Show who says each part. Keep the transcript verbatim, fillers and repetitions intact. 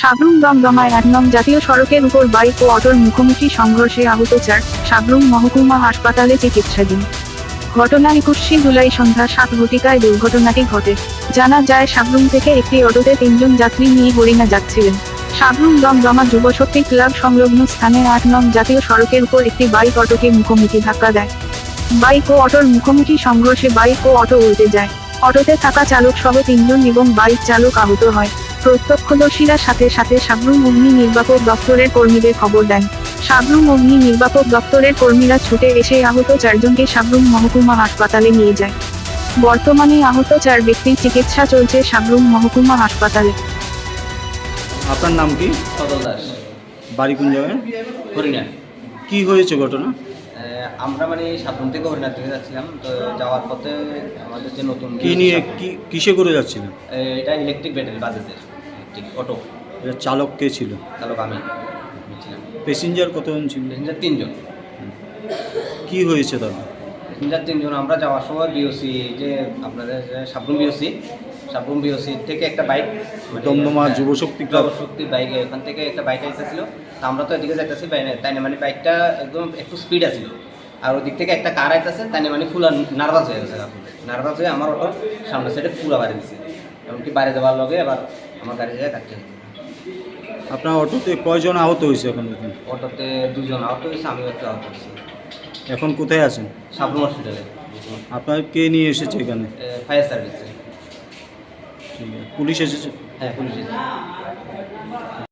Speaker 1: সাবরুম দমদমায় এক নং জাতীয় সড়কের উপর বাইক ও অটোর মুখোমুখি সংঘর্ষে আহত চার, সাবরুম মহকুমা হাসপাতালে চিকিৎসাধীন। ঘটনা একুশে জুলাই সন্ধ্যা সাত ঘটিকায় দুর্ঘটনাটি ঘটে। জানা যায় সাবরুম থেকে একটি অটোতে তিনজন যাত্রী নিয়ে হরিণা যাচ্ছিলেন। সাবরুম দমদমা যুবশক্তি ক্লাব সংলগ্ন স্থানে আট নং জাতীয় সড়কের উপর একটি বাইক অটোকে মুখোমুখি ধাক্কা দেয়। বাইক ও অটোর মুখোমুখি সংঘর্ষে বাইক ও অটো উল্টে যায়। অটোতে থাকা চালক সহ তিনজন এবং বাইক চালক আহত হয়। প্রত্যক্ষদর্শীরা সাথে সাথে সাবরুম অগ্নি নির্বাপক দপ্তরের কর্মীদের খবর দেন। সাবরুম অগ্নি নির্বাপক দপ্তরের কর্মীরা ছুটে এসে আহত চারজনকে সাবরুম মহকুমা হাসপাতালে নিয়ে যায়। বর্তমানে আহত চার ব্যক্তির চিকিৎসা চলছে সাবরুম মহকুমা হাসপাতালে।
Speaker 2: আপনার নাম কি?
Speaker 3: সদল দাস,
Speaker 2: বাড়ি কোন জায়গায়?
Speaker 3: হরিণা।
Speaker 2: কি হয়েছে ঘটনা?
Speaker 3: আমরা মানে সাবরুম থেকে হরিণার দিকে যাচ্ছিলাম, তো যাওয়ার পথে আমাদের যে নতুন
Speaker 2: কি নিয়ে কি কিসে করে যাচ্ছিলেন?
Speaker 3: এটা ইলেকট্রিক ব্যাটারি বাজাজের ইলেকট্রিক অটো।
Speaker 2: এটা চালক কে ছিল?
Speaker 3: চালক আমি ছিলাম।
Speaker 2: প্যাসেঞ্জার কতজন ছিল?
Speaker 3: প্যাসেঞ্জার তিনজন।
Speaker 2: কি হয়েছে তারপর?
Speaker 3: প্যাসেঞ্জার তিনজন। আমরা যাওয়ার সময় বিওসি যে আপনাদের যে সাবরুম বিওসি সাবরুম বিওসি থেকে একটা bike
Speaker 2: Damdama Yuvashakti club
Speaker 3: Yuvashakti bike এখান থেকে একটা বাইক এসেছিল। তা আমরা তো এদিকে যাইতেছি, তাই না মানে বাইকটা একদম একটু স্পিড আছিল, আর ওই দিক থেকে একটা কার আইতেছে, তাই না মানে ফুল নার্ভাস হয়ে গেছে। নার্ভাস হয়ে আমার অটোর সামনের সাইডে পুরো বাড়ি দিচ্ছে, এমনকি বাড়ি দেওয়ার লগে এবার আমার গাড়ি জায়গায় কাটতে হয়েছে।
Speaker 2: আপনার অটোতে কয়জন আহত হয়েছে এখন পর্যন্ত?
Speaker 3: অটোতে দুজন আহত হয়েছে, আমিও একটু আহত হয়েছি।
Speaker 2: এখন কোথায় আছেন?
Speaker 3: সাবরুম হসপিটালে।
Speaker 2: আপনার কে নিয়ে এসেছে এখানে?
Speaker 3: ফায়ার সার্ভিসে।
Speaker 2: ঠিক আছে, পুলিশ এসেছে?
Speaker 3: হ্যাঁ, পুলিশ এসেছে।